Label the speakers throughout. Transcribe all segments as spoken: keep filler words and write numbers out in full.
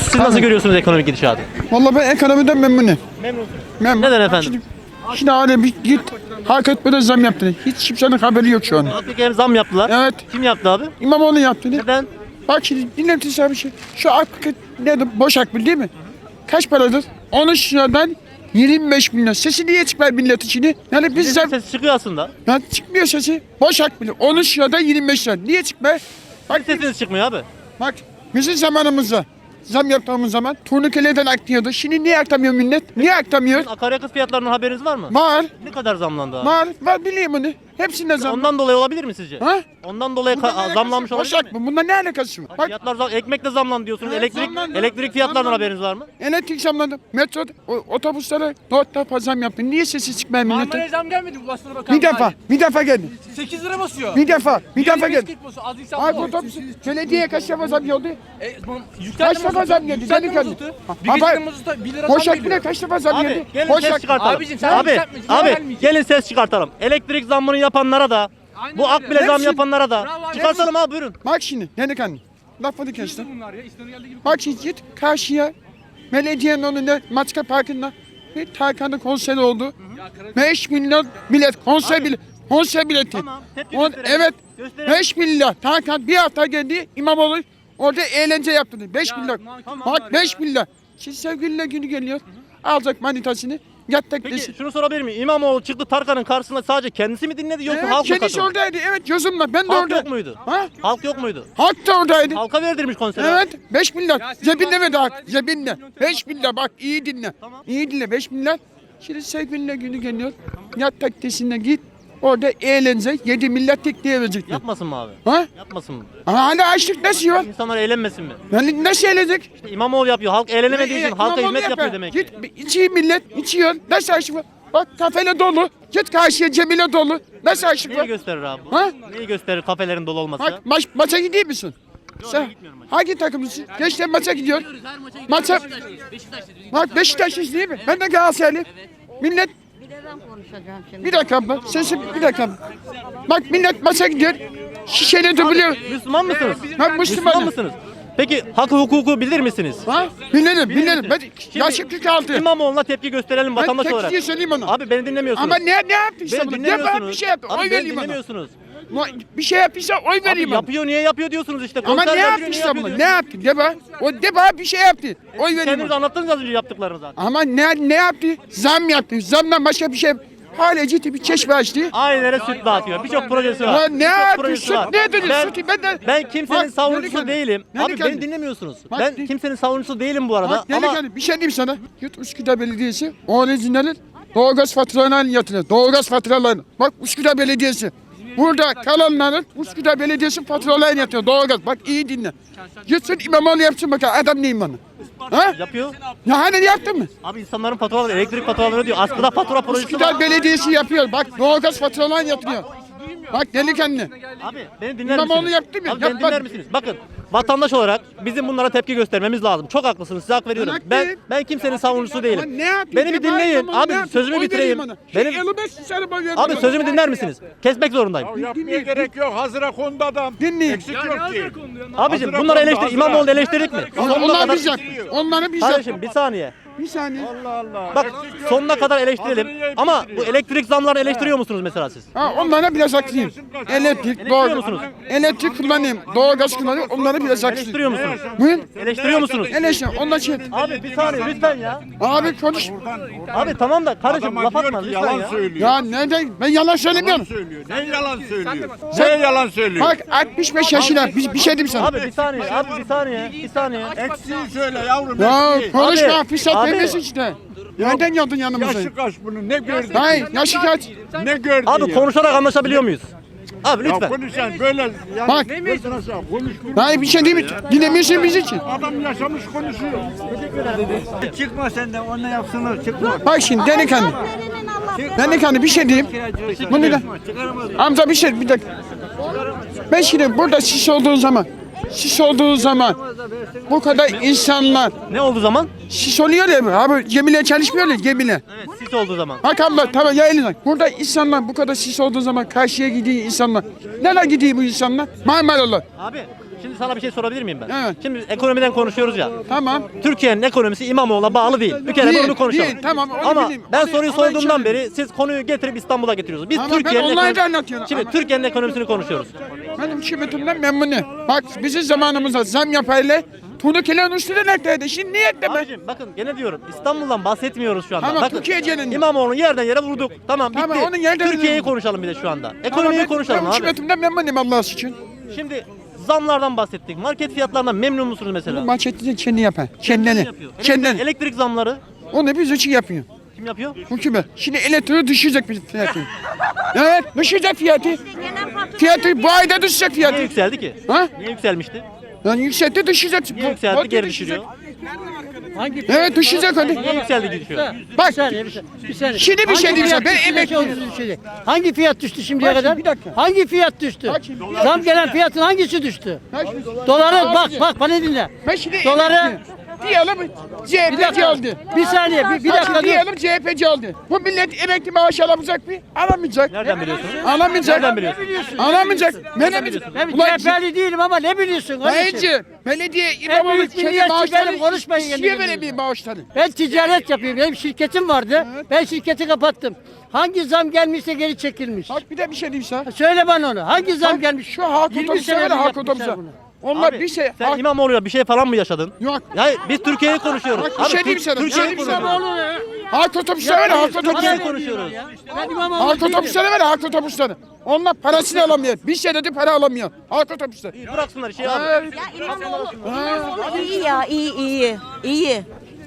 Speaker 1: Siz nasıl
Speaker 2: Tabii.
Speaker 1: görüyorsunuz ekonomik gidişatı?
Speaker 2: Vallahi ben ekonomiden memnunum.
Speaker 1: Memnunsunuz.
Speaker 2: Memnun.
Speaker 1: Neden efendim?
Speaker 2: Şimdi, şimdi hani bir git hak etmeden zam yaptı. Hiç kimsenin haberi yok şu an.
Speaker 1: Peki hem zam yaptılar.
Speaker 2: Evet.
Speaker 1: Kim yaptı abi?
Speaker 2: İmamoğlu yaptı. Ne?
Speaker 1: Neden?
Speaker 2: Bak şimdi dinletin sana bir şey. Şu ak nedir? Boş akbil değil mi? Kaç paradır? on üç liradan yirmi beş bin lira. Sesi niye çıkmıyor millet içini? Yani biz zam...
Speaker 1: Ses çıkıyor aslında.
Speaker 2: Ya çıkmıyor sesi. Boş akbil. on üç liradan yirmi beş lira. Niye çıkmıyor? Bak,
Speaker 1: Sesiniz çıkmıyor abi.
Speaker 2: bak bizim zamanımızda zam yaptığımız zaman turnikeleden aktıyordu. Şimdi niye aktamıyor millet? Niye aktamıyor?
Speaker 1: Akaryakıt fiyatlarından haberiniz var mı?
Speaker 2: Var.
Speaker 1: Ne kadar zamlandı abi?
Speaker 2: Var. Var biliyorum onu. Hepsinde zam.
Speaker 1: Ondan dolayı olabilir mi sizce?
Speaker 2: Ha?
Speaker 1: Ondan dolayı
Speaker 2: Bununla ne
Speaker 1: ka-
Speaker 2: alakası
Speaker 1: zamlanmış
Speaker 2: var?
Speaker 1: olabilir
Speaker 2: Boşak
Speaker 1: mi?
Speaker 2: mı? Bununla ne alakası var? Bak
Speaker 1: Fiyatlar zam, ekmek de zamlandı diyorsunuz.
Speaker 2: Evet,
Speaker 1: elektrik
Speaker 2: zamlandı.
Speaker 1: elektrik fiyatlarından
Speaker 2: Zamlandı.
Speaker 1: haberiniz var mı?
Speaker 2: elektrik zamlandı. Metro o, otobüslere dört defa zam yaptı. Niye sesi çıkmıyor
Speaker 3: Marmara'ya
Speaker 2: milletin?
Speaker 3: zam gelmedi mi? Ulaştırma Bakanlığı.
Speaker 2: Bir defa. Bir defa geldi.
Speaker 3: sekiz lira basıyor.
Speaker 2: Bir defa. Bir defa
Speaker 3: Yirmi beş
Speaker 2: geldi.
Speaker 3: kırk basıyor. Az insan
Speaker 2: Ay
Speaker 3: bu.
Speaker 2: otobüs belediye kaç defa zam geldi?
Speaker 3: E, tamam,
Speaker 2: Kaç
Speaker 3: yükseltme
Speaker 2: defa
Speaker 3: mazotu,
Speaker 2: zam geldi?
Speaker 3: yükseltme
Speaker 2: Delikanlı.
Speaker 3: mazotu.
Speaker 2: Ha,
Speaker 3: Bir
Speaker 2: ha,
Speaker 3: gecede
Speaker 2: bak.
Speaker 3: mazota bir lira
Speaker 2: Boşak
Speaker 3: zam
Speaker 2: bile
Speaker 3: geliyor.
Speaker 2: kaç defa zam
Speaker 1: Abi
Speaker 2: geldi?
Speaker 1: gelin ses
Speaker 2: Boşak.
Speaker 1: çıkartalım.
Speaker 3: Abicim, sen
Speaker 1: abi,
Speaker 3: yükseltme, sen
Speaker 1: abi
Speaker 3: gelmeyeceksin.
Speaker 1: gelin ses çıkartalım. Elektrik zammını yapanlara da
Speaker 3: Aynen
Speaker 1: bu
Speaker 3: öyle.
Speaker 1: akbile zam
Speaker 2: Hepsi-
Speaker 1: yapanlara da
Speaker 3: Bravo abi,
Speaker 1: çıkartalım abi buyurun.
Speaker 2: Bak şimdi delikanlı. Lafını kestim.
Speaker 3: Bunlar ya, İstanbul geldiği gibi.
Speaker 2: Bak şimdi git karşıya. Belediyenin önünde Maçka Parkı'nda bir Tarkan'ın konseri oldu. beş milyon bilet konser bilet. Konser bileti.
Speaker 1: Tamam, tepki
Speaker 2: On,
Speaker 1: gösterelim.
Speaker 2: evet.
Speaker 1: Gösterelim.
Speaker 2: beş milyar. Tarkan bir hafta geldi. İmamoğlu orada eğlence yaptı. beş milyar.
Speaker 3: tamam
Speaker 2: Bak beş milyar. Şimdi sevgililer günü geliyor. Alacak manitasını. Yattak
Speaker 1: Peki
Speaker 2: desin.
Speaker 1: şunu sorabilir miyim? İmamoğlu çıktı Tarkan'ın karşısında sadece kendisi mi dinledi yoksa
Speaker 2: Evet,
Speaker 1: halk mı
Speaker 2: kendisi
Speaker 1: katıldı?
Speaker 2: oradaydı. Evet gözümle. Ben de
Speaker 1: Halk
Speaker 2: orada.
Speaker 1: yok muydu?
Speaker 2: Ha?
Speaker 1: Halk yok muydu?
Speaker 2: Halk da oradaydı.
Speaker 1: Halka verdirmiş konseri.
Speaker 2: Evet beş milyar.
Speaker 3: Ya siz
Speaker 2: Cebinde
Speaker 3: bak-
Speaker 2: mi daha? Cebinde. beş milyar bak iyi dinle.
Speaker 1: Tamam.
Speaker 2: İyi dinle beş milyar. Şimdi sevgililer günü geliyor. Yat taksisine git. Orada eğlence yedi milyar tekneye verecekler.
Speaker 1: Yapmasın mı abi?
Speaker 2: Ha?
Speaker 1: Yapmasın mı?
Speaker 2: Ama hala açlık nasıl var?
Speaker 1: İnsanlar eğlenmesin mi?
Speaker 2: Yani nasıl eğlenecek?
Speaker 1: İşte İmamoğlu yapıyor. Halk eğlenemediği için
Speaker 2: E,
Speaker 1: halka
Speaker 2: İmamoğlu
Speaker 1: hizmet yapıyor
Speaker 2: yapar.
Speaker 1: demek ki.
Speaker 2: Git içiyor millet içiyor. Nasıl açlık var? Bak kafele dolu. Git karşıya Cemile dolu. Nasıl açlık
Speaker 1: Neyi
Speaker 2: var?
Speaker 1: gösterir abi bu?
Speaker 2: Ha?
Speaker 1: Neyi gösterir kafelerin dolu olması?
Speaker 2: Bak maç, maça gidiyor musun? Sen
Speaker 1: gitmiyorum maça.
Speaker 2: hangi takımlısın? Gençler maça gidiyor. Maça. Bak Beşiktaşlıyız değil mi? Ben de Galatasaraylıyım. Millet
Speaker 4: Bir de ben konuşacağım şimdi.
Speaker 2: bir dakika abla. Sesim bir dakika abla. Bak millet maça gidiyor. Şişeli dublıyor.
Speaker 1: Müslüman mısınız?
Speaker 2: Ben
Speaker 1: Müslüman
Speaker 2: Müslümanım.
Speaker 1: mısınız? Peki hak hukuku bilir misiniz?
Speaker 2: Ha? Bilirim, bilirim. Ben
Speaker 1: Şimdi
Speaker 2: yaşım kırk altı.
Speaker 1: İmamoğlu'na tepki gösterelim
Speaker 2: Ben
Speaker 1: vatandaş
Speaker 2: tek
Speaker 1: olarak.
Speaker 2: diye söyleyeyim ona.
Speaker 1: Abi beni dinlemiyorsunuz.
Speaker 2: Ama ne ne yaptıysa
Speaker 1: beni
Speaker 2: bunu? Ne
Speaker 1: dinlemiyorsunuz.
Speaker 2: bana bir şey yaptı.
Speaker 1: Abi
Speaker 2: Oy
Speaker 1: beni
Speaker 2: vereyim ona.
Speaker 1: dinlemiyorsunuz.
Speaker 2: Bir şey yaptıysa oy
Speaker 1: Abi
Speaker 2: vereyim ona.
Speaker 1: yapıyor niye yapıyor diyorsunuz işte.
Speaker 2: Ama
Speaker 1: Konser
Speaker 2: ne
Speaker 1: yapıyor,
Speaker 2: yaptıysa
Speaker 1: yapıyor
Speaker 2: bunu? Ne
Speaker 1: diyorsunuz.
Speaker 2: yaptı? De bana. O de bana bir şey yaptı. Oy vereyim
Speaker 1: Kendiniz
Speaker 2: ona.
Speaker 1: anlattınız az önce yaptıklarını zaten.
Speaker 2: Ama ne ne yaptı? Zam yaptı. Zamdan başka bir şey. Hala ciddi bir çeşme açtı.
Speaker 1: Ailelere süt dağıtıyor. Birçok projesi var.
Speaker 2: Ya ne
Speaker 1: Birçok
Speaker 2: yaptı?
Speaker 1: projesi
Speaker 2: Süt
Speaker 1: var.
Speaker 2: ne dedi?
Speaker 1: Ben,
Speaker 2: Sütü ben de...
Speaker 1: ben kimsenin
Speaker 2: Bak,
Speaker 1: savunucusu
Speaker 2: delikanlı.
Speaker 1: değilim. Abi
Speaker 2: Delikanlı.
Speaker 1: beni dinlemiyorsunuz.
Speaker 2: Bak,
Speaker 1: ben
Speaker 2: de-
Speaker 1: kimsenin savunucusu değilim bu arada.
Speaker 2: Bak
Speaker 1: ama
Speaker 2: delikanlı bir şey diyeyim sana. Yurt Üsküdar Belediyesi orijinalin doğalgaz faturalarını yatırıyor. Doğalgaz faturalarını. Bak Üsküdar Belediyesi. Burada kalanların Üsküdar Belediyesi faturalarını yatıyor. Doğalgaz. Bak iyi dinle. Gitsin İmamoğlu yapsın bakalım. Adam neyim bana? Ha?
Speaker 1: yapıyor.
Speaker 2: Ya hani yaptın mı?
Speaker 1: Abi insanların faturaları, elektrik faturaları diyor. Askıda fatura projesi var.
Speaker 2: Üsküdar Belediyesi yapıyor. Bak doğalgaz faturalarını yatırıyor. Bak delikanlı.
Speaker 1: Abi beni dinler
Speaker 2: İmamoğlu
Speaker 1: misiniz?
Speaker 2: yaptı mı?
Speaker 1: Abi beni
Speaker 2: Yapmadı.
Speaker 1: dinler misiniz? Bakın vatandaş olarak bizim bunlara tepki göstermemiz lazım. Çok haklısınız. Size hak veriyorum.
Speaker 2: Ben
Speaker 1: Ben
Speaker 2: haklıyım.
Speaker 1: ben kimsenin savunucusu
Speaker 2: Ama
Speaker 1: değilim.
Speaker 2: ne yapayım?
Speaker 1: Beni bir
Speaker 2: Ya bari
Speaker 1: dinleyin.
Speaker 2: İmamoğlu
Speaker 1: Abi
Speaker 2: ne yaptı?
Speaker 1: sözümü
Speaker 2: Oy
Speaker 1: bitireyim.
Speaker 2: vereyim ona.
Speaker 1: Benim
Speaker 2: Şu elli beş sene boy verdim
Speaker 1: Abi
Speaker 2: ona.
Speaker 1: sözümü dinler misiniz? Kesmek zorundayım.
Speaker 5: Yapmaya gerek yok. Hazıra kondu adam.
Speaker 2: Dinleyin.
Speaker 5: Eksik yok ki.
Speaker 1: Abicim
Speaker 5: Hazıra
Speaker 1: bunları
Speaker 5: kondu,
Speaker 1: eleştir.
Speaker 5: hazıra.
Speaker 1: İmamoğlu'nu eleştirdik mi?
Speaker 2: Onlar,
Speaker 1: Sonuna
Speaker 2: onlar
Speaker 1: kadar-
Speaker 2: biz yaptık. Onları biz
Speaker 1: Kardeşim
Speaker 2: yaptık.
Speaker 1: bir saniye.
Speaker 2: Bir saniye.
Speaker 5: Allah Allah.
Speaker 1: Bak
Speaker 5: Eksik yok
Speaker 1: sonuna
Speaker 5: ki.
Speaker 1: kadar eleştirelim.
Speaker 5: Hazırı yiyip
Speaker 1: Ama bu
Speaker 5: bitiriyor.
Speaker 1: elektrik zamlarını eleştiriyor musunuz mesela siz?
Speaker 2: Ha, onlara biraz haklıyım. Elektrik, doğal,
Speaker 1: musunuz?
Speaker 2: elektrik kullanayım, doğalgaz kullanıyorum, onlara biraz haklıyım.
Speaker 1: Eleştiriyor musunuz?
Speaker 2: Buyur.
Speaker 1: Eleştiriyor musunuz?
Speaker 2: Eleştirin, onlar şey.
Speaker 1: Abi bir saniye lütfen ya.
Speaker 2: Abi konuş.
Speaker 1: Abi tamam da kardeşim
Speaker 5: Adama
Speaker 1: laf
Speaker 5: diyor
Speaker 1: atma
Speaker 5: ki
Speaker 1: lütfen
Speaker 5: yalan
Speaker 1: ya.
Speaker 5: söylüyor.
Speaker 2: Ya neden? Ben yalan
Speaker 5: Yalan
Speaker 2: söylemiyorum.
Speaker 5: söylüyor. Ne yalan söylüyor? Ne yalan söylüyor?
Speaker 2: Bak altmış beş yaşında, bir, bir şey diyeyim sana.
Speaker 1: Abi bir saniye, abi bir saniye, bir saniye.
Speaker 5: Eksiği söyle yavrum.
Speaker 2: Ya
Speaker 5: eksiği.
Speaker 2: konuşma,
Speaker 1: Abi,
Speaker 2: fırsat
Speaker 1: abi.
Speaker 2: vermesin işte. Nereden geldin yanımıza?
Speaker 5: Yaşı kaç bunun? Ne gördü?
Speaker 2: Hayır, yaşı kaç?
Speaker 5: Ne gördü
Speaker 1: Abi
Speaker 5: ya?
Speaker 1: konuşarak anlaşabiliyor muyuz? Abi
Speaker 5: Ya
Speaker 1: lütfen.
Speaker 5: konuşan böyle yani
Speaker 2: Bak.
Speaker 5: gözüne sağ konuş.
Speaker 2: Hayır bir şey değil mi? Dinlemiyorsun biz için.
Speaker 5: Adam yaşamış konuşuyor.
Speaker 6: Çıkma sen de onunla yapsınlar çıkma.
Speaker 2: Bak şimdi delikanlı. Delikanlı bir şey diyeyim. Bunu da. Amca bir şey, bir dakika. Ben şimdi burada sis olduğu zaman, sis olduğu zaman bu kadar insanlar
Speaker 1: Ne oldu zaman?
Speaker 2: sis oluyor ya abi gemiyle çalışmıyorlar gemiyle.
Speaker 1: Evet, sis olduğu zaman.
Speaker 2: Bak abla tamam ya eline. Burada insanlar bu kadar sis olduğu zaman karşıya gidiyor insanlar. Nereye gidiyor bu insanlar? Marmaralar.
Speaker 1: Abi şimdi sana bir şey sorabilir miyim ben?
Speaker 2: Evet.
Speaker 1: Şimdi ekonomiden konuşuyoruz ya.
Speaker 2: Tamam.
Speaker 1: Türkiye'nin ekonomisi İmamoğlu'na bağlı değil. Bir kere
Speaker 2: Değil,
Speaker 1: bunu konuşalım.
Speaker 2: değil. Tamam, onu
Speaker 1: Ama
Speaker 2: bileyim.
Speaker 1: ben
Speaker 2: Onu-
Speaker 1: soruyu
Speaker 2: ona
Speaker 1: sorduğumdan
Speaker 2: hiç
Speaker 1: beri siz konuyu getirip İstanbul'a getiriyorsunuz. Biz
Speaker 2: Ama ben
Speaker 1: Türkiye'nin
Speaker 2: olayı da
Speaker 1: ekonomi-
Speaker 2: anlatıyorum.
Speaker 1: Şimdi
Speaker 2: Ama-
Speaker 1: Türkiye'nin ekonomisini konuşuyoruz.
Speaker 2: Ben hükümetimden memnunum. Bak bizim zamanımızda zam yapayla Tunukilerin üstüne neredeydi? Şimdi niye ekleme?
Speaker 1: Abicim bakın gene diyorum İstanbul'dan bahsetmiyoruz şu anda.
Speaker 2: Tamam,
Speaker 1: bakın,
Speaker 2: Türkiye genelinde.
Speaker 1: İmamoğlu'nu yerden yere vurduk. Tamam bitti.
Speaker 2: Tamam, onun yerden
Speaker 1: Türkiye'yi
Speaker 2: yere-
Speaker 1: konuşalım bir de şu anda.
Speaker 2: Tamam,
Speaker 1: Ekonomiyi
Speaker 2: ben-
Speaker 1: konuşalım
Speaker 2: ben
Speaker 1: abi.
Speaker 2: hükümetimden memnunum Allah için.
Speaker 1: Şimdi zamlardan bahsettik. Market fiyatlarından memnun musunuz mesela?
Speaker 2: Manşetini kendi yapar. Kendini.
Speaker 1: Yapıyor.
Speaker 2: Kendini.
Speaker 1: Elektrik, elektrik zamları
Speaker 2: Onu biz için yapıyor.
Speaker 1: kim yapıyor?
Speaker 2: Hükümet. Şimdi elektriği düşecek bir fiyatı. Evet düşecek fiyatı. Fiyatı bu ayda düşecek
Speaker 1: Niye
Speaker 2: fiyatı.
Speaker 1: yükseldi ki?
Speaker 2: Ha?
Speaker 1: Niye yükselmişti?
Speaker 2: Yani yükseltti düşecek.
Speaker 1: Niye yükseldi
Speaker 2: Bak,
Speaker 1: geri
Speaker 2: düşecek.
Speaker 1: düşürüyor?
Speaker 2: Evet düşecek hadi.
Speaker 1: Niye yükseldi düşüyor?
Speaker 2: Bak
Speaker 7: Bir saniye, bir saniye. Bir saniye.
Speaker 2: Şimdi bir
Speaker 7: Hangi
Speaker 2: şey diyeceğim,
Speaker 7: fiyat
Speaker 2: ben
Speaker 7: düştü,
Speaker 2: emekliyim.
Speaker 7: ne oldu düştü? Hangi fiyat düştü şimdiye
Speaker 2: Bak şimdi,
Speaker 7: kadar?
Speaker 2: bir dakika.
Speaker 7: Hangi fiyat düştü?
Speaker 2: Bak şimdi,
Speaker 7: Zam gelen fiyatın hangisi düştü?
Speaker 2: Bak şimdi.
Speaker 7: Doları bak bak bana dinle.
Speaker 2: Ben şimdi
Speaker 7: Doları-
Speaker 2: emekliyim. Diyelim C H
Speaker 7: Bir
Speaker 2: P'ci
Speaker 7: dakika.
Speaker 2: aldı.
Speaker 7: Bir saniye bir, bir
Speaker 2: Bak
Speaker 7: dakika
Speaker 2: şimdi
Speaker 7: dur.
Speaker 2: diyelim C H P'ci aldı. Bu millet emekli maaş alamayacak mı? Alamayacak.
Speaker 1: Nereden biliyorsunuz?
Speaker 2: Alamayacak.
Speaker 1: Nereden biliyorsun?
Speaker 2: Alamayacak. Ben ne
Speaker 1: biliyorsun?
Speaker 7: Ben
Speaker 2: Ulan
Speaker 7: C H P'li değilim ama ne biliyorsun kardeşim?
Speaker 2: Bence belediye İmamoğlu
Speaker 7: büyük
Speaker 2: kendi
Speaker 7: milliyetçi
Speaker 2: maaşları
Speaker 7: benim, konuşmayın
Speaker 2: istiyor
Speaker 7: yemin
Speaker 2: böyle bir
Speaker 7: ediyorum.
Speaker 2: maaşları.
Speaker 7: Ben ticaret yapıyorum. Benim şirketim vardı. Ben şirketi kapattım. Hangi zam gelmişse geri çekilmiş.
Speaker 2: Bak bir de bir şey diyeyim sana.
Speaker 7: Söyle bana onu. Hangi zam
Speaker 2: Bak,
Speaker 7: gelmiş?
Speaker 2: Şu halk
Speaker 7: yirmi
Speaker 2: otobüse var
Speaker 7: senedir
Speaker 2: ya halk
Speaker 7: yapmışlar
Speaker 2: otobüse.
Speaker 7: bunu.
Speaker 2: Onlar
Speaker 1: Abi,
Speaker 2: bir şey.
Speaker 1: sen
Speaker 2: halk-
Speaker 1: İmamoğlu'yla bir şey falan mı yaşadın?
Speaker 2: Yok.
Speaker 1: Ya biz Türkiye'yi konuşuyoruz.
Speaker 2: Bak, bir
Speaker 1: Abi,
Speaker 2: şey diyeyim
Speaker 1: Tür-
Speaker 2: sana, bir şey
Speaker 1: Türkiye'yi
Speaker 2: diyeyim sana.
Speaker 1: konuşuyoruz.
Speaker 7: İmamoğlu ya.
Speaker 2: Halk otobüse var ya halk
Speaker 1: Türkiye'yi
Speaker 2: otobüse.
Speaker 1: konuşuyoruz.
Speaker 7: Ben İmamoğlu
Speaker 2: Halk
Speaker 7: değilim.
Speaker 2: otobüsleri var ya halk otobüsleri. Onlar parasını alamıyor. Bir senede para alamıyor. Halk otobüsleri.
Speaker 1: Bıraksınlar şey abi.
Speaker 2: Ha,
Speaker 4: İyi ya iyi iyi. İyi.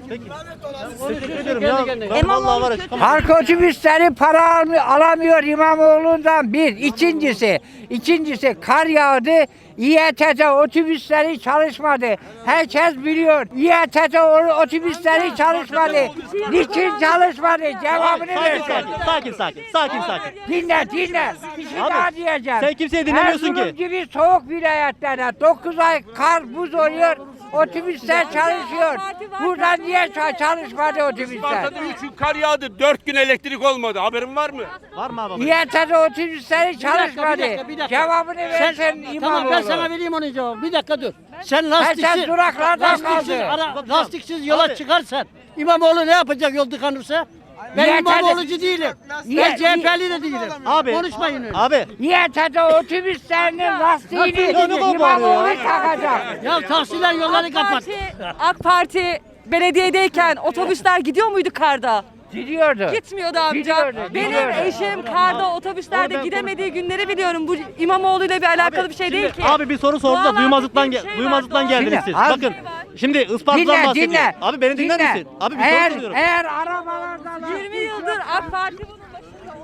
Speaker 1: Teşekkür ederim ya. Ben
Speaker 4: İmamoğlu
Speaker 1: vallahi var ya
Speaker 4: kötü.
Speaker 1: çıkamam.
Speaker 8: Halk otobüsleri para almıyor, alamıyor İmamoğlu'ndan bir. İkincisi, ikincisi kar yağdı. İETT otobüsleri çalışmadı. Herkes biliyor. İETT o- otobüsleri çalışmadı. Niçin çalışmadı? Cevabını
Speaker 1: Sakin
Speaker 8: versin.
Speaker 1: sakin. Sakin sakin. Sakin sakin.
Speaker 8: Dinle, dinle. Bir şey
Speaker 1: Abi,
Speaker 8: daha diyeceğim.
Speaker 1: sen kimseyi dinlemiyorsun
Speaker 8: Erzurum
Speaker 1: ki.
Speaker 8: gibi soğuk vilayetlerde dokuz ay kar buz oluyor. Otobüsler çalışıyor. Burada niye ça- çalışmadı otobüsler?
Speaker 9: Sparta'da üç gün kar yağdı, dört gün elektrik olmadı. Haberin var mı?
Speaker 1: Var mı abi?
Speaker 8: İETT otobüsleri
Speaker 7: Bir dakika,
Speaker 8: çalışmadı.
Speaker 7: bir dakika, bir dakika.
Speaker 8: Cevabını versen
Speaker 7: Sen,
Speaker 8: İmamoğlu.
Speaker 7: tamam ben sana vereyim onun cevabını. Bir dakika dur. Sen
Speaker 8: Herkes
Speaker 7: lastiksiz,
Speaker 8: duraklarda
Speaker 7: lastiksiz,
Speaker 8: kaldı.
Speaker 7: ara, lastiksiz yola
Speaker 1: Abi.
Speaker 7: çıkarsan İmamoğlu ne yapacak yol tıkanırsa? Ben
Speaker 8: Yeter-
Speaker 7: İmamoğlu'cu değilim.
Speaker 8: Ye-
Speaker 7: Ben C H P'li de değilim.
Speaker 1: Abi.
Speaker 7: Konuşmayın öyle.
Speaker 1: Abi.
Speaker 8: İETT otobüslerinin lastiğini
Speaker 1: Ya ne kadar bağırıyor
Speaker 8: İmamoğlu
Speaker 1: ya?
Speaker 8: takacak.
Speaker 7: Ya tahsiller yolları
Speaker 10: AK
Speaker 7: kapat.
Speaker 10: Parti, AK Parti belediyedeyken otobüsler gidiyor muydu karda?
Speaker 8: Gidiyordu.
Speaker 10: Gitmiyordu amca.
Speaker 8: Gidiyordu,
Speaker 10: Benim
Speaker 8: gidiyordu.
Speaker 10: eşim karda otobüslerde gidemediği günleri biliyorum. Bu İmamoğlu ile bir alakalı bir şey değil ki.
Speaker 1: Abi bir soru sordu da
Speaker 10: Doğal
Speaker 1: duymazlıktan
Speaker 10: afet diye
Speaker 1: ge-
Speaker 10: bir şey
Speaker 1: duymazlıktan
Speaker 10: var,
Speaker 1: geldiniz
Speaker 8: doğal
Speaker 1: siz.
Speaker 8: afet.
Speaker 1: Bakın. Şimdi Isparta'dan
Speaker 8: Dinle,
Speaker 1: bahsediyor.
Speaker 8: dinle.
Speaker 1: Abi beni dinler
Speaker 8: Dinle.
Speaker 1: misin? Abi bir
Speaker 8: eğer,
Speaker 1: soru soruyorum.
Speaker 8: Eğer arabalarda
Speaker 10: yirmi yıldır AK Parti bunun başında.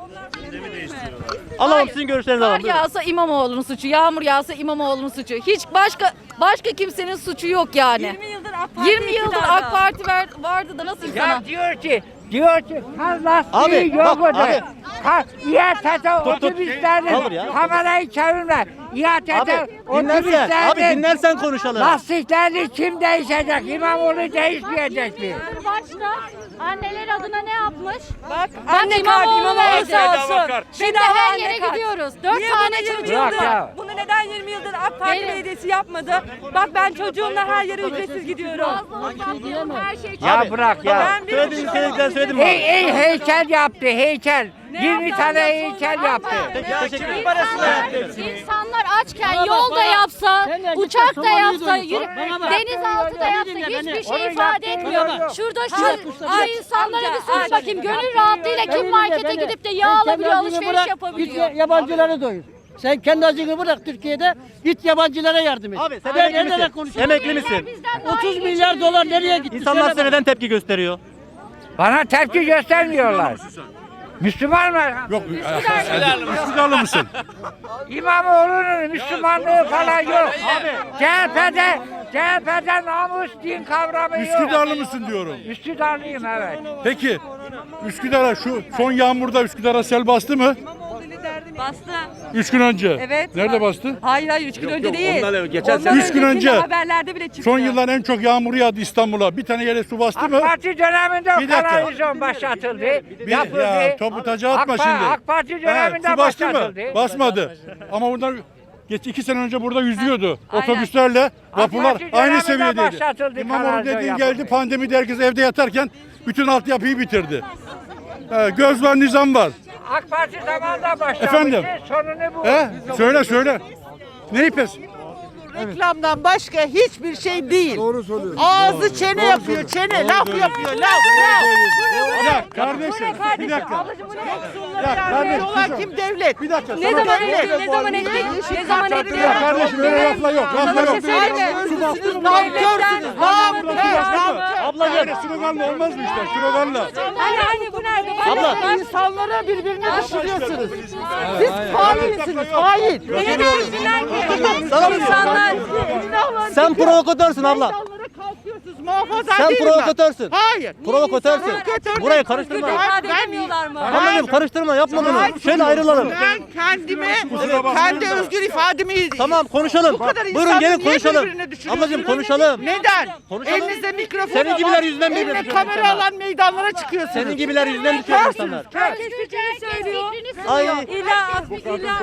Speaker 10: Onlar
Speaker 1: Alalım sizin görüşlerinizi
Speaker 11: Kar
Speaker 1: alalım. Buyurun.
Speaker 11: yağsa İmamoğlu'nun suçu, yağmur yağsa İmamoğlu'nun suçu. Hiç başka başka kimsenin suçu yok yani.
Speaker 10: yirmi yıldır AK Parti
Speaker 11: yirmi yıldır
Speaker 10: iktidarda.
Speaker 11: AK Parti ver- vardı da nasıl
Speaker 8: ya
Speaker 11: sana?
Speaker 8: diyor ki diyor ki kar lastiği
Speaker 1: Abi,
Speaker 8: yok
Speaker 1: bak,
Speaker 8: orada.
Speaker 1: abi.
Speaker 8: Kar, İETT
Speaker 1: Olur
Speaker 8: otobüslerinin
Speaker 1: ya.
Speaker 8: kamerayı çevirme. İETT
Speaker 1: Abi dinlersen, abi
Speaker 8: otobüslerinin
Speaker 1: dinlersen konuşalım.
Speaker 8: lastiklerini kim değişecek? İmamoğlu değişmeyecek mi?
Speaker 12: Başta anneler adına ne yapmış?
Speaker 10: Bak anne kart
Speaker 12: İmamoğlu
Speaker 10: İmamoğlu
Speaker 12: verdi.
Speaker 10: sağ
Speaker 9: Bedava
Speaker 10: olsun.
Speaker 9: kart.
Speaker 12: Şimdi
Speaker 10: Bedava
Speaker 12: her
Speaker 10: anne
Speaker 12: yere
Speaker 10: kart.
Speaker 12: gidiyoruz. Dört
Speaker 10: Niye
Speaker 12: tane
Speaker 10: bunu yirmi
Speaker 8: Bırak
Speaker 10: yıldır?
Speaker 8: ya.
Speaker 10: Bunu neden yirmi yıldır AK Parti
Speaker 12: Benim-
Speaker 10: belediyesi yapmadı? Bak ben çocuğumla her yere ücretsiz gidiyorum.
Speaker 12: Her şey
Speaker 8: Ya
Speaker 1: Abi,
Speaker 8: bırak ya.
Speaker 10: Ben bir
Speaker 1: Söylediğiniz
Speaker 10: buçuk
Speaker 1: söylediklerini söyledim mi?
Speaker 8: Hey, hey, heykel yaptı heykel. yirmi
Speaker 10: yaptı
Speaker 8: tane
Speaker 10: amca?
Speaker 8: heykel yaptı.
Speaker 1: Peki teşekkür ederim.
Speaker 12: İnsanlar, insanlar açken
Speaker 7: Bana bak,
Speaker 12: yol da
Speaker 7: bana.
Speaker 12: yapsa,
Speaker 7: Sen de git
Speaker 12: uçak da
Speaker 7: Somali'yi
Speaker 12: yapsa,
Speaker 7: duydun.
Speaker 12: yürü,
Speaker 7: Bana bak.
Speaker 12: denizaltı da
Speaker 7: Beni
Speaker 12: yapsa
Speaker 7: dinle,
Speaker 12: hiçbir
Speaker 7: beni.
Speaker 12: şey
Speaker 8: Onu
Speaker 12: ifade
Speaker 8: yaptığı
Speaker 12: etmiyor.
Speaker 7: yok.
Speaker 12: Şurada
Speaker 7: Ha,
Speaker 12: şu
Speaker 7: kuşlar.
Speaker 12: ay insanlara
Speaker 10: Amca,
Speaker 12: bir sor
Speaker 10: amca.
Speaker 12: bakayım. Gönül rahatlığıyla
Speaker 7: Beni
Speaker 12: kim
Speaker 7: dinle,
Speaker 12: markete
Speaker 7: beni.
Speaker 12: gidip de
Speaker 7: Sen
Speaker 12: yağ
Speaker 7: kendi
Speaker 12: alabiliyor,
Speaker 7: acını
Speaker 12: alışveriş
Speaker 7: bırak,
Speaker 12: yapabiliyor.
Speaker 7: Git yabancıları doyur. Sen kendi acını bırak Türkiye'de, git yabancılara yardım et.
Speaker 1: Abi sen
Speaker 7: Ben
Speaker 1: emekli
Speaker 7: nereden
Speaker 1: misin?
Speaker 7: konuşuyorum?
Speaker 1: Emekli misin?
Speaker 12: Bizden daha
Speaker 7: otuz
Speaker 12: iyi
Speaker 7: milyar dolar nereye gitti?
Speaker 1: İnsanlar
Speaker 7: Söyle
Speaker 1: size
Speaker 7: bana.
Speaker 1: neden tepki gösteriyor?
Speaker 8: Bana tepki göstermiyorlar. Müslüman mı?
Speaker 5: Yok. Üsküdarlı mısın?
Speaker 8: İmamoğlu'nun Müslümanlığı falan yok. C H P'de C H P'de namus din kavramı yok.
Speaker 5: Üsküdarlı mısın diyorum.
Speaker 8: Üsküdarlıyım evet.
Speaker 5: Peki Üsküdar'a şu son yağmurda Üsküdar'a sel bastı mı?
Speaker 10: Bastı.
Speaker 5: Üç gün önce.
Speaker 10: Evet.
Speaker 5: Nerede bastı?
Speaker 10: Hayır hayır üç gün önce
Speaker 9: yok,
Speaker 10: değil.
Speaker 9: ondan evvel, geçen
Speaker 10: Ondan
Speaker 9: sene.
Speaker 5: Üç gün
Speaker 10: öncekinde
Speaker 5: önce.
Speaker 10: haberlerde bile çıktı.
Speaker 5: Son yılların en çok yağmuru yağdı İstanbul'a. Bir tane yere su bastı
Speaker 8: AK
Speaker 5: mı?
Speaker 8: Parti döneminde
Speaker 5: Bir dakika.
Speaker 8: kanalizasyon başlatıldı.
Speaker 5: Bir,
Speaker 8: yapıldı.
Speaker 5: ya topu taca atma
Speaker 8: AK, Pa-
Speaker 5: şimdi.
Speaker 8: AK Parti
Speaker 5: He,
Speaker 8: döneminde
Speaker 5: su bastı mı?
Speaker 8: başlatıldı.
Speaker 5: Basmadı. Ama buradan Geç iki sene önce burada yüzüyordu.
Speaker 11: Aynen.
Speaker 5: Otobüslerle vapurlar
Speaker 8: Parti
Speaker 5: aynı
Speaker 8: döneminde
Speaker 5: seviyedeydi.
Speaker 8: başlatıldı
Speaker 5: İmamoğlu
Speaker 8: kanalizasyon
Speaker 5: dediğin
Speaker 8: yapıldı.
Speaker 5: geldi, pandemide herkes evde yatarken bütün altyapıyı bitirdi. Ee, göz var, nizam var.
Speaker 8: AK Parti zamanında başlamıştı.
Speaker 5: Efendim?
Speaker 8: Sonunu bu.
Speaker 5: He? Söyle söyle. Neyi pes?
Speaker 4: Reklamdan başka hiçbir şey değil. Doğru söylüyorsun. Ağzı çene yapıyor, çene, laf yapıyor, laf, laf.
Speaker 5: Ya kardeşim, bir dakika. Ya kardeşim,
Speaker 4: Olan kim devlet?
Speaker 5: bir dakika.
Speaker 10: Ne
Speaker 5: sana-
Speaker 10: zaman etti? Ne zaman etti? Ne zaman etti?
Speaker 5: Ya kardeşim öyle lafla yok, lafla
Speaker 10: Sana bir
Speaker 5: yok.
Speaker 10: şey söyleyeyim mi?
Speaker 4: Siz namkörsünüz, namkör, namkör.
Speaker 5: Ablacığım. Sloganla olmaz mı işte? Sloganla.
Speaker 10: Hani hani bu nerede?
Speaker 4: Abla. İnsanlara birbirini düşürüyorsunuz. Siz hainsiniz, hain.
Speaker 10: Beni düşünler ki.
Speaker 1: Sana mı
Speaker 10: İnsanlar.
Speaker 1: Sen provokatörsün abla.
Speaker 4: İnsanlara kalkıyorsunuz, muhafaza
Speaker 1: Sen
Speaker 4: değilim ben.
Speaker 1: provokatörsün.
Speaker 4: Hayır.
Speaker 1: Provokatörsün.
Speaker 4: Provokatör
Speaker 1: Burayı
Speaker 4: değil.
Speaker 1: karıştırma.
Speaker 10: İfade
Speaker 4: Ben-
Speaker 10: edemiyorlar mı?
Speaker 1: Ablacığım karıştırma, yapma bunu. Şöyle ayrılalım.
Speaker 4: Ben kendime, kendi özgür ifademi...
Speaker 1: Tamam konuşalım.
Speaker 4: Bu kadar
Speaker 1: Buyurun
Speaker 4: insanı
Speaker 1: gelin
Speaker 4: niye
Speaker 1: konuşalım.
Speaker 4: birbirine düşürüyorsunuz?
Speaker 1: Ablacığım konuşalım.
Speaker 4: Neden?
Speaker 1: Konuşalım.
Speaker 4: Elinizde mikrofon
Speaker 1: Senin gibiler
Speaker 4: olan,
Speaker 1: yüzünden birbirine
Speaker 4: eline
Speaker 1: düşüyor
Speaker 4: kamera
Speaker 1: insanlar.
Speaker 4: alan meydanlara çıkıyorsunuz.
Speaker 1: Senin gibiler yüzünden düşüyor insanlar.
Speaker 10: Herkes fikrini söylüyor.
Speaker 1: Ay.
Speaker 10: İlla illa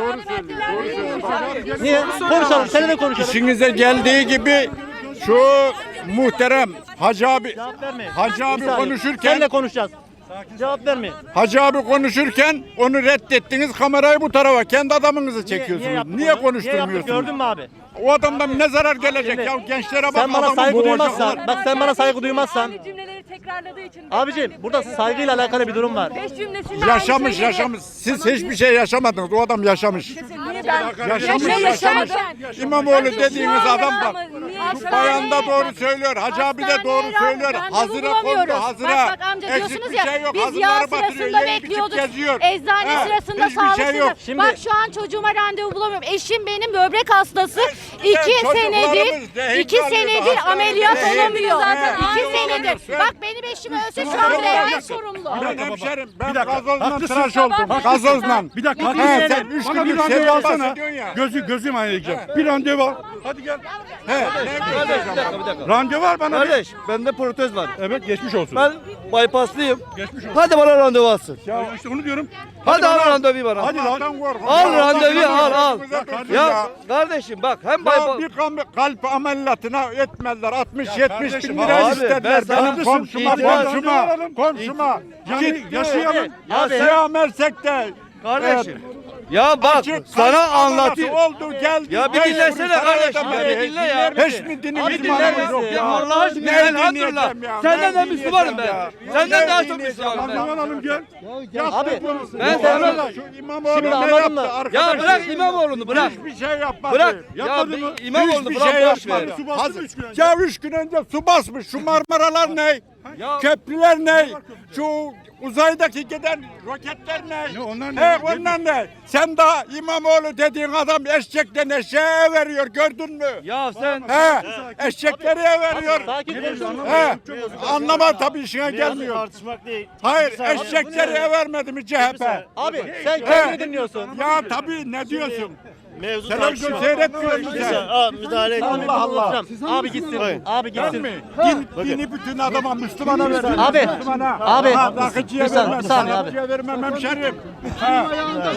Speaker 1: Niye? Konuşalım. Seninle konuşalım.
Speaker 6: İşinize geldiği gibi şu muhterem Hacı abi
Speaker 1: Cevap verme.
Speaker 6: Hacı
Speaker 1: Bir
Speaker 6: abi
Speaker 1: saniye.
Speaker 6: konuşurken
Speaker 1: Seninle konuşacağız. Cevap verme.
Speaker 6: Hacı abi konuşurken onu reddettiniz, kamerayı bu tarafa kendi adamınızı
Speaker 1: Niye,
Speaker 6: çekiyorsunuz.
Speaker 1: yaptık
Speaker 6: Niye,
Speaker 1: onu?
Speaker 6: konuşturmuyorsunuz?
Speaker 1: Niye yaptık, gördün mü abi?
Speaker 6: O adamdan ne zarar gelecek
Speaker 1: Şimdi,
Speaker 6: ya gençlere bak,
Speaker 1: Sen bana
Speaker 6: adamı
Speaker 1: saygı
Speaker 6: boğacaklar.
Speaker 1: duymazsan, bak sen bana saygı duymazsan.
Speaker 10: Aynı cümleleri tekrarladığı için.
Speaker 1: Abicim burada saygıyla alakalı bir durum var.
Speaker 10: Beş cümlesinde
Speaker 6: Yaşamış
Speaker 10: aynı
Speaker 6: yaşamış. Siz hiçbir şey yaşamadınız. O adam yaşamış.
Speaker 10: Niye ben
Speaker 6: Yaşamış
Speaker 10: Niye
Speaker 6: yaşamış.
Speaker 10: yaşamadım?
Speaker 6: İmamoğlu dediğiniz adam
Speaker 10: Ama
Speaker 6: bak.
Speaker 10: niye
Speaker 6: Şu
Speaker 10: yaşamadım?
Speaker 6: bayan da doğru söylüyor. Hacı abi de doğru söylüyor. Hazıra kondu hazıra.
Speaker 12: Bak bak amca
Speaker 6: Eksik
Speaker 12: diyorsunuz
Speaker 6: bir
Speaker 12: ya
Speaker 6: şey yok.
Speaker 12: biz yağ
Speaker 6: Hazırları batırıyor,
Speaker 12: sırasında
Speaker 6: yiyip içip
Speaker 12: bekliyorduk.
Speaker 6: geziyor.
Speaker 12: Eczane
Speaker 6: He,
Speaker 12: sırasında
Speaker 6: hiçbir
Speaker 12: sağlık
Speaker 6: şey yok.
Speaker 12: sırasında.
Speaker 1: Şimdi-
Speaker 12: Bak şu an çocuğuma randevu bulamıyorum. Eşim benim böbrek hastası. iki
Speaker 6: çocuklarımız
Speaker 12: senedir
Speaker 6: de
Speaker 12: iki
Speaker 6: hektarlı
Speaker 12: senedir
Speaker 6: hastanede
Speaker 12: ameliyat
Speaker 6: de
Speaker 12: olamıyor.
Speaker 6: hektarlı.
Speaker 12: İki
Speaker 6: He.
Speaker 12: senedir.
Speaker 6: He.
Speaker 12: Bak benim eşim ölse şu an devlet sorumlu.
Speaker 6: Ben hemşerim. Ben
Speaker 5: Bir dakika,
Speaker 6: gazozla
Speaker 5: haklısın.
Speaker 6: tıraş oldum. Gazozla.
Speaker 5: Bir dakika.
Speaker 6: He,
Speaker 5: haklısın.
Speaker 6: sen üç
Speaker 5: Bana bir
Speaker 6: günlük
Speaker 5: randevu
Speaker 6: sevdan
Speaker 5: alsana.
Speaker 6: bahsediyorsun ya.
Speaker 5: Gözü, gözüm ayıracağım. Bir randevu al. Hadi gel.
Speaker 6: He, ne diyeceğim?
Speaker 5: Randevu var bana. bir.
Speaker 1: Kardeş bende protez var.
Speaker 5: Evet geçmiş olsun.
Speaker 1: Ben bypasslıyım.
Speaker 5: Geçmiş olsun.
Speaker 1: Hadi bana randevu alsın.
Speaker 5: Ya işte onu diyorum.
Speaker 1: Hadi al randevuyu bana.
Speaker 5: Hadi lan.
Speaker 6: Allah'tan korkun.
Speaker 1: Al
Speaker 6: Ya,
Speaker 1: randevuyu
Speaker 6: Allah'tan
Speaker 1: al al.
Speaker 6: korkun. Dursun
Speaker 1: Ya kardeşim bak hem
Speaker 6: Ya
Speaker 1: bypass.
Speaker 6: bir kalp, kalp ameliyatına etmezler. altmış yetmiş
Speaker 5: kardeşim,
Speaker 6: bin lira
Speaker 1: abi,
Speaker 6: istediler.
Speaker 1: ben sana-
Speaker 6: Benim komşuma,
Speaker 1: İtiraz-
Speaker 6: komşuma,
Speaker 5: alalım.
Speaker 6: komşuma.
Speaker 5: Yani
Speaker 6: Gitti.
Speaker 5: yaşayalım.
Speaker 6: Ya Siyah Mersek'te.
Speaker 1: Kardeşim. Ya bak
Speaker 6: Açık
Speaker 1: sana
Speaker 6: kalp
Speaker 1: anlatayım.
Speaker 6: ameliyatı oldu geldi.
Speaker 1: Ya bir
Speaker 6: Beş
Speaker 1: dinlesene
Speaker 6: kuruş para
Speaker 1: kardeşim ya,
Speaker 6: ödemedi.
Speaker 1: bir dinle ya.
Speaker 6: Hiç mi dinimiz
Speaker 1: Abi dinle
Speaker 6: imanımız
Speaker 1: ya.
Speaker 6: yok
Speaker 1: Ya
Speaker 6: ya?
Speaker 1: Allah aşkına,
Speaker 6: Ne
Speaker 1: elhamdülillah.
Speaker 6: dinleyeceğim ya?
Speaker 1: Senden
Speaker 6: Ne
Speaker 1: de Müslümanım
Speaker 6: dinleyeceğim
Speaker 1: ben.
Speaker 6: ya?
Speaker 1: Senden
Speaker 6: Ne
Speaker 1: daha çok
Speaker 6: dinleyeceğim
Speaker 1: Müslümanım ben.
Speaker 5: Randevu alalım gel.
Speaker 1: Abi
Speaker 6: Ben
Speaker 1: ben
Speaker 6: sana
Speaker 1: sana
Speaker 6: şu İmamoğlu
Speaker 1: Şimdi
Speaker 6: ne
Speaker 1: anladın
Speaker 6: yaptı
Speaker 1: mı?
Speaker 6: arkadaş?
Speaker 1: Ya bırak İmamoğlu'nu bırak.
Speaker 6: Hiçbir şey yapmadı.
Speaker 1: Bırak.
Speaker 5: Yapmadı
Speaker 1: Ya
Speaker 5: mı?
Speaker 1: bir İmamoğlu'nu
Speaker 6: Hiçbir
Speaker 1: bırak
Speaker 6: şey
Speaker 1: boş ver.
Speaker 6: yapmadı.
Speaker 5: Su bastı
Speaker 6: Hazır-
Speaker 5: mı üç gün önce?
Speaker 6: Ya üç gün önce su basmış. Şu Marmaralar ne? Köprüler ne? Şu uzaydaki giden roketler ne?
Speaker 5: Ne, onlar ne?
Speaker 6: He, onlar ne? Sen daha İmamoğlu dediğin adam eşekten eşeğe veriyor, gördün mü?
Speaker 1: Ya sen
Speaker 6: He, eşekleri veriyor.
Speaker 1: sakin konuşun.
Speaker 6: He, anlama tabii işine gelmiyor.
Speaker 1: Tartışmak değil.
Speaker 6: Hayır, eşekleri vermedi mi C H P?
Speaker 1: Abi sen
Speaker 6: He.
Speaker 1: kendini dinliyorsun.
Speaker 6: Ya tabii ne diyorsun?
Speaker 1: Mevzu
Speaker 6: Televizyon seyretmiyor musun sen?
Speaker 1: müdahale
Speaker 6: Allah Allah.
Speaker 1: Abi gitsin. Abi
Speaker 6: Ben
Speaker 1: gitsin.
Speaker 6: mi? Din, dini bütün adama, Müslümana verdim.
Speaker 1: Abi,
Speaker 6: Müslümana.
Speaker 1: abi.
Speaker 6: Ha, rakıcıya
Speaker 1: Bir saniye,
Speaker 6: vermem,
Speaker 1: bir saniye abi.
Speaker 6: şarapçıya vermem hemşerim. Ha.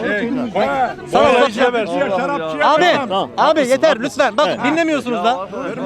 Speaker 6: Ha.
Speaker 1: Sana
Speaker 6: Şarapçıya
Speaker 1: uzatacağım.
Speaker 6: şarapçıya
Speaker 1: Abi,
Speaker 6: vermem.
Speaker 1: abi yeter lütfen. Bak dinlemiyorsunuz da.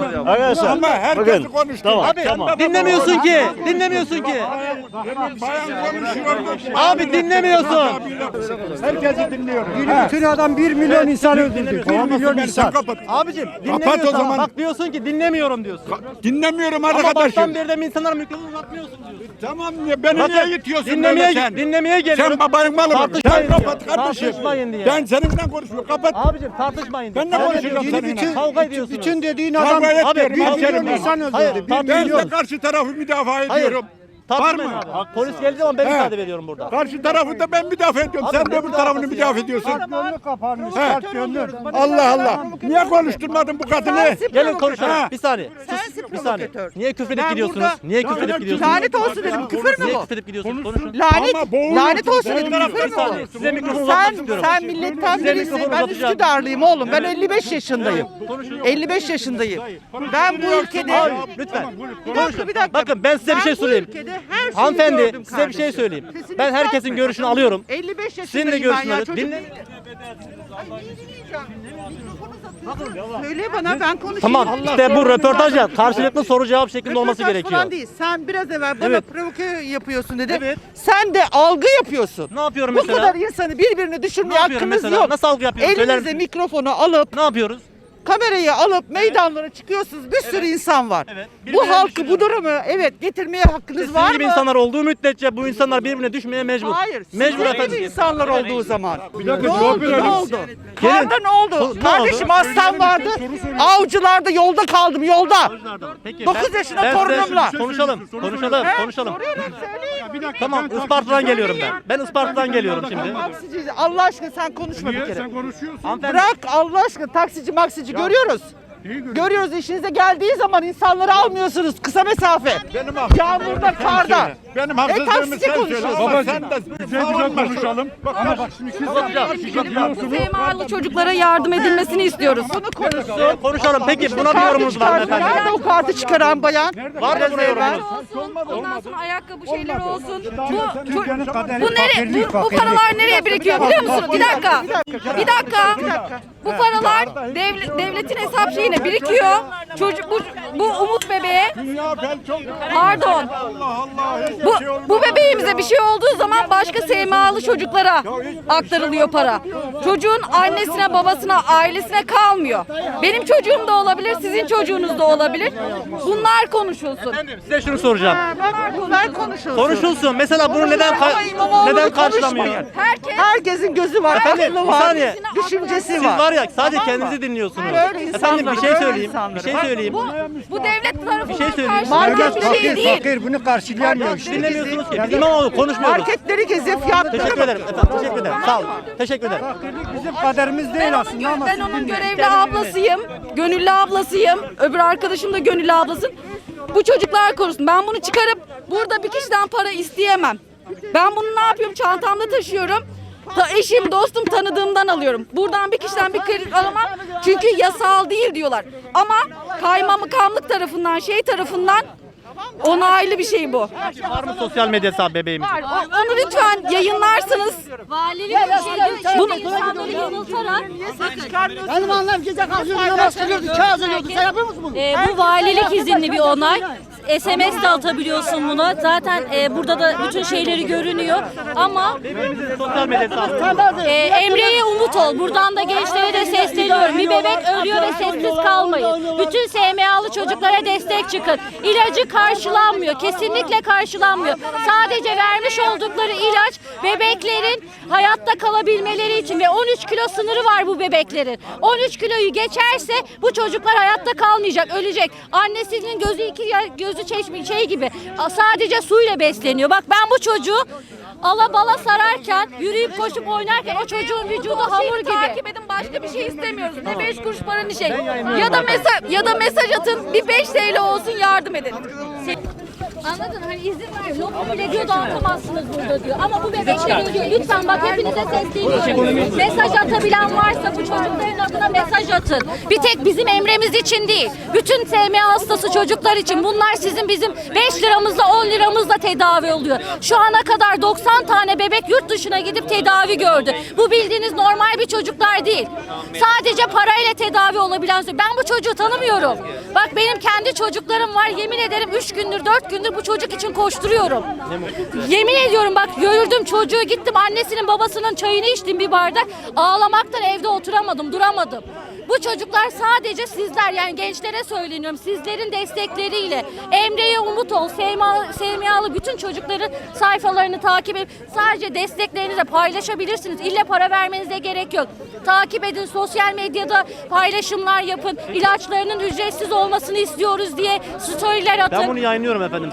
Speaker 6: Ama herkesi konuştum.
Speaker 1: Abi dinlemiyorsun ki. Dinlemiyorsun ki.
Speaker 6: Bayan, bayan konuşuyordu.
Speaker 1: Abi dinlemiyorsun.
Speaker 6: Herkesi dinliyorum. Ha.
Speaker 2: Bütün adam bir milyon insan öldürdü.
Speaker 6: Bir milyon insan. Kapat.
Speaker 1: Abicim
Speaker 6: Kapat
Speaker 1: dinlemiyorsun
Speaker 6: o
Speaker 1: ama
Speaker 6: zaman.
Speaker 1: bak diyorsun ki dinlemiyorum diyorsun.
Speaker 6: Dinlemiyorum
Speaker 1: Ama baştan
Speaker 6: arkadaşım.
Speaker 1: beri de mi insanlara mikrofon uzatmıyorsun diyorsun.
Speaker 6: Tamam ya beni
Speaker 1: Bakın,
Speaker 6: niye itiyorsun
Speaker 1: dinlemeye,
Speaker 6: böyle sen?
Speaker 1: dinlemeye geliyorum.
Speaker 6: Sen babanın malı mı? Sen
Speaker 1: Tartışmayın
Speaker 6: kapat
Speaker 1: diye.
Speaker 6: kardeşim.
Speaker 1: Tartışmayın diye.
Speaker 6: Ben seninle konuşmuyorum. Kapat.
Speaker 1: Abicim tartışmayın diye.
Speaker 6: Ben ne
Speaker 1: Kavga
Speaker 6: konuşacağım
Speaker 1: ediyorsunuz.
Speaker 6: seninle?
Speaker 1: Kavga ediyorsunuz.
Speaker 2: Bütün dediğin
Speaker 6: Kavga
Speaker 2: adam
Speaker 6: etmiyorum.
Speaker 1: Abi, bir
Speaker 6: hemşerim
Speaker 1: milyon
Speaker 6: ben.
Speaker 2: insan
Speaker 1: Hayır,
Speaker 2: öldürdü. Bir
Speaker 1: tartışmayın.
Speaker 6: Ben de karşı tarafı müdafaa ediyorum. Var
Speaker 1: Tartışmayın
Speaker 6: mı?
Speaker 1: abi. Polis geldiği zaman ben
Speaker 6: He.
Speaker 1: ifade veriyorum burada.
Speaker 6: Karşı tarafı da ben müdafaa ediyorum.
Speaker 1: Abi
Speaker 6: Sen
Speaker 1: ne
Speaker 6: de öbür tarafını
Speaker 1: müdafası ya?
Speaker 6: müdafaa ediyorsun.
Speaker 2: gönlü kapanmış.
Speaker 6: He.
Speaker 2: Kalp gönlü.
Speaker 6: Allah Allah. Niye konuşturmadın bu kadını?
Speaker 1: Gelin konuşalım.
Speaker 6: Ha.
Speaker 1: Bir saniye. Sus, bir saniye. Niye küfür edip gidiyorsunuz? Niye küfür edip gidiyorsunuz?
Speaker 4: Lanet olsun dedim. Küfür mü
Speaker 1: Niye
Speaker 4: bu?
Speaker 1: küfür edip gidiyorsunuz? Konuşun.
Speaker 4: Lanet,
Speaker 6: Ama boğulursun.
Speaker 4: lanet olsun
Speaker 6: Boğulursun.
Speaker 4: dedim.
Speaker 1: Bir
Speaker 4: Küfür mü
Speaker 1: saniye.
Speaker 4: bu?
Speaker 1: Size mikrofon uzatmak
Speaker 4: Sen,
Speaker 1: istiyorum.
Speaker 4: sen milletten
Speaker 1: Size
Speaker 4: birisin.
Speaker 1: mikrofonu
Speaker 4: Ben
Speaker 1: uzatacağım.
Speaker 4: Üsküdarlıyım oğlum. Ben elli beş yaşındayım. elli beş yaşındayım. Ben bu ülkede...
Speaker 1: Abi lütfen.
Speaker 4: Bir dakika, bir dakika.
Speaker 1: Bakın ben size bir şey
Speaker 4: bu
Speaker 1: söyleyeyim.
Speaker 4: ülkede her şeyi
Speaker 1: Hanımefendi
Speaker 4: gördüm
Speaker 1: size bir şey
Speaker 4: kardeşim.
Speaker 1: söyleyeyim.
Speaker 4: Sesini
Speaker 1: Ben herkesin
Speaker 4: yükseltme.
Speaker 1: görüşünü alıyorum.
Speaker 4: elli beş
Speaker 1: Sizin de
Speaker 4: yaşındayım ben
Speaker 1: görüşünü
Speaker 4: ya.
Speaker 1: alıyorum.
Speaker 4: Çocuk
Speaker 1: Dinle.
Speaker 4: Ay, neyi dinleyeceğim? Mikrofonu Söyle bana, ben konuşayım.
Speaker 1: Tamam işte bu röportaj ya karşılıklı soru cevap şeklinde olması
Speaker 4: Röportaj
Speaker 1: gerekiyor.
Speaker 4: falan değil. Sen biraz evvel bana
Speaker 1: Evet.
Speaker 4: provoke yapıyorsun dedi.
Speaker 1: Evet.
Speaker 4: Sen de algı yapıyorsun.
Speaker 1: Ne yapıyorum
Speaker 4: Bu
Speaker 1: mesela?
Speaker 4: kadar insanı birbirini
Speaker 1: Ne
Speaker 4: düşürmeye
Speaker 1: yapıyorum
Speaker 4: hakkınız
Speaker 1: mesela?
Speaker 4: yok.
Speaker 1: Nasıl algı yapıyorum? Söyler
Speaker 4: Elinize
Speaker 1: misiniz?
Speaker 4: mikrofonu alıp
Speaker 1: Ne yapıyoruz?
Speaker 4: kamerayı alıp meydanlara çıkıyorsunuz. Bir sürü insan var.
Speaker 1: Evet.
Speaker 4: Bu
Speaker 1: Birbirine
Speaker 4: halkı,
Speaker 1: düşürüyoruz.
Speaker 4: bu durumu evet getirmeye hakkınız
Speaker 1: Sizin
Speaker 4: var
Speaker 1: gibi
Speaker 4: mı?
Speaker 1: insanlar olduğu müddetçe bu insanlar birbirine düşmeye mecbur.
Speaker 4: Hayır.
Speaker 1: Mecbur
Speaker 4: Sizin
Speaker 1: efendim.
Speaker 4: gibi insanlar olduğu zaman.
Speaker 5: Bir dakika,
Speaker 4: Ne
Speaker 5: cevap
Speaker 4: oldu?
Speaker 5: verelim.
Speaker 4: Ne oldu?
Speaker 1: Gelin.
Speaker 4: Karda ne oldu?
Speaker 1: Ne
Speaker 4: Kardeşim
Speaker 1: oldu?
Speaker 4: hastam vardı. Avcılarda yolda kaldım yolda.
Speaker 1: Peki,
Speaker 4: dokuz
Speaker 1: ben-
Speaker 4: yaşında
Speaker 1: ben
Speaker 4: torunumla.
Speaker 1: size Konuşalım, konuşalım,
Speaker 4: He?
Speaker 1: konuşalım.
Speaker 4: Soruyorum, söyleyin.
Speaker 1: Tamam, Isparta'dan geliyorum ben. Ben Isparta'dan geliyorum şimdi.
Speaker 4: Taksici, Allah aşkına sen konuşma bir
Speaker 5: Niye
Speaker 4: kere.
Speaker 5: sen konuşuyorsun?
Speaker 1: Hanımefendi,
Speaker 4: Bırak Allah aşkına, taksici maksici görüyoruz.
Speaker 5: İyi görüyorum.
Speaker 4: Görüyoruz, işinize geldiği zaman insanları almıyorsunuz kısa mesafe.
Speaker 6: Benim haksızlığımı
Speaker 4: Yağmurda,
Speaker 6: sen
Speaker 4: karda.
Speaker 6: söyle. Benim
Speaker 4: E
Speaker 6: haksızlığımı
Speaker 4: taksici
Speaker 6: sen söyle.
Speaker 4: konuşuyorsun.
Speaker 6: Ama
Speaker 5: Babacığım,
Speaker 6: sen de
Speaker 5: güzel güzel konuşalım. Ama bak şimdi siz
Speaker 11: Seymalı çocuklara yardım edilmesini istiyoruz.
Speaker 4: Bunu konuşsun.
Speaker 1: konuşalım. Peki buna bir yorumunuz var mı efendim?
Speaker 4: Nerede o kartı çıkaran bayan?
Speaker 1: Var mı buna yorumunuz?
Speaker 11: Olsun, ondan sonra ayakkabı şeyleri olsun. Bu, bu, bu, nere, bu, bu paralar nereye birikiyor biliyor musunuz? Bir dakika. Bir dakika. Bu paralar devlet, devletin hesap şeyine birikiyor. Çocuk bu, bu umut bebeğe.
Speaker 6: Dünya ben çok...
Speaker 11: Pardon.
Speaker 6: Allah Allah. hiçbir
Speaker 11: Bu,
Speaker 6: şey olmaz.
Speaker 11: bu bebeğimize bir şey olduğu zaman başka S M A'lı çocuklara aktarılıyor para. Çocuğun annesine, babasına, ailesine kalmıyor. Benim çocuğum da olabilir, sizin çocuğunuz da olabilir. Bunlar konuşulsun.
Speaker 1: Efendim size şunu soracağım.
Speaker 4: Bunlar konuşulsun.
Speaker 1: Konuşulsun. Mesela bunu neden
Speaker 4: Ama
Speaker 1: ka-
Speaker 4: İmamoğlu'nu
Speaker 1: neden karşılamıyor?
Speaker 4: konuşmayın.
Speaker 11: Herkes
Speaker 4: Herkesin gözü var,
Speaker 1: Efendim,
Speaker 4: aklı
Speaker 1: bir
Speaker 4: var,
Speaker 1: saniye.
Speaker 4: düşüncesi
Speaker 1: Siz
Speaker 4: var.
Speaker 1: var ya sadece
Speaker 4: Tamam mı?
Speaker 1: kendinizi dinliyorsunuz.
Speaker 4: Böyle insanlar,
Speaker 1: Efendim bir şey
Speaker 4: böyle
Speaker 1: söyleyeyim.
Speaker 4: insanlar.
Speaker 1: Bir şey
Speaker 4: Bak,
Speaker 1: söyleyeyim.
Speaker 11: bu, bu devlet tarafından
Speaker 1: Bir şey söyleyeyim.
Speaker 11: karşılanan bir şey değil.
Speaker 8: bunu karşılayamıyor
Speaker 1: Hiç dinlemiyorsunuz ki. Biz İmamoğlu konuşmuyoruz.
Speaker 4: Marketleri gezip fiyatları
Speaker 1: Teşekkür ederim efendim. Teşekkür ederim. Sağ olun. Teşekkür ederim.
Speaker 8: Bizim kaderimiz değil
Speaker 11: Ben onun,
Speaker 8: aslında ama
Speaker 11: ben onun görevli ablasıyım. Gönüllü ablasıyım. Öbür arkadaşım da gönüllü ablası. Bu çocuklar korusun. Ben bunu çıkarıp burada bir kişiden para isteyemem. Ben bunu ne yapıyorum? Çantamda taşıyorum. Ta eşim, dostum, tanıdığımdan alıyorum. Buradan bir kişiden bir kredi alamam. Çünkü yasal değil diyorlar. Ama kaymakamlık tarafından, şey tarafından onaylı bir şey bu.
Speaker 1: Var mı sosyal medya hesabı bebeğimiz?
Speaker 11: Var. O- Onu lütfen yayınlarsınız.
Speaker 12: Valilik bir şey diyor ki
Speaker 11: Bunu-
Speaker 12: insanları yanıltarak
Speaker 7: Benim annem gece kalkıyordu, namaz kılıyordu, kağıt yazıyordu. Sen yapıyor musun bunu?
Speaker 12: e, bu valilik izinli bir onay. S M S de atabiliyorsun buna. Zaten e, burada da bütün şeyleri görünüyor. Ama
Speaker 1: Bebeğimizin sosyal medya hesabı.
Speaker 12: e, Emre'ye umut ol. Buradan da gençlere de sesleniyorum. Bir bebek ölüyor ve sessiz kalmayın. Bütün S M A'lı çocuklara destek çıkın. İlacı karşılanmıyor. Kesinlikle karşılanmıyor. Sadece vermiş oldukları ilaç bebeklerin hayatta kalabilmeleri için ve on üç kilo sınırı var bu bebeklerin. on üç kiloyu geçerse bu çocuklar hayatta kalmayacak, ölecek. Annesinin gözü iki ya- gözü çeşme şey gibi sadece suyla besleniyor. Bak ben bu çocuğu ala bala sararken, yürüyüp koşup oynarken o çocuğun vücudu hamur gibi.
Speaker 11: Takip edin, başka bir şey istemiyoruz. Ne beş kuruş para ne şey. Ya da mesaj ya da mesaj atın, bir beş T L olsun, yardım edin.
Speaker 12: Anladın hani izin ver. Lokum bile diyor dağıtamazsınız burada diyor. Ama bu bebekler ölüyor. Lütfen bak hepinize sesleniyorum. Mesaj atabilen varsa bu çocukların adına mesaj atın. Bir tek bizim Emre'miz için değil. Bütün S M A hastası çocuklar için. Bunlar sizin bizim beş liramızla on liramızla tedavi oluyor. Şu ana kadar doksan tane bebek yurt dışına gidip tedavi gördü. Bu bildiğiniz normal bir çocuklar değil. Sadece parayla tedavi olabilen. Ben bu çocuğu tanımıyorum. Bak benim kendi çocuklarım var. Yemin ederim üç gündür dört gündür bu çocuk için koşturuyorum. Yemin ediyorum bak gördüm çocuğu, gittim annesinin babasının çayını içtim bir bardak. Ağlamaktan evde oturamadım, duramadım. Bu çocuklar sadece sizler, yani gençlere söyleniyorum, sizlerin destekleriyle Emre'ye umut ol, Seymiyalı bütün çocukların sayfalarını takip edip sadece desteklerinizi paylaşabilirsiniz. İlle para vermenize gerek yok. Takip edin, sosyal medyada paylaşımlar yapın. İlaçlarının ücretsiz olmasını istiyoruz diye storyler atın.
Speaker 1: Ben bunu yayınlıyorum efendim.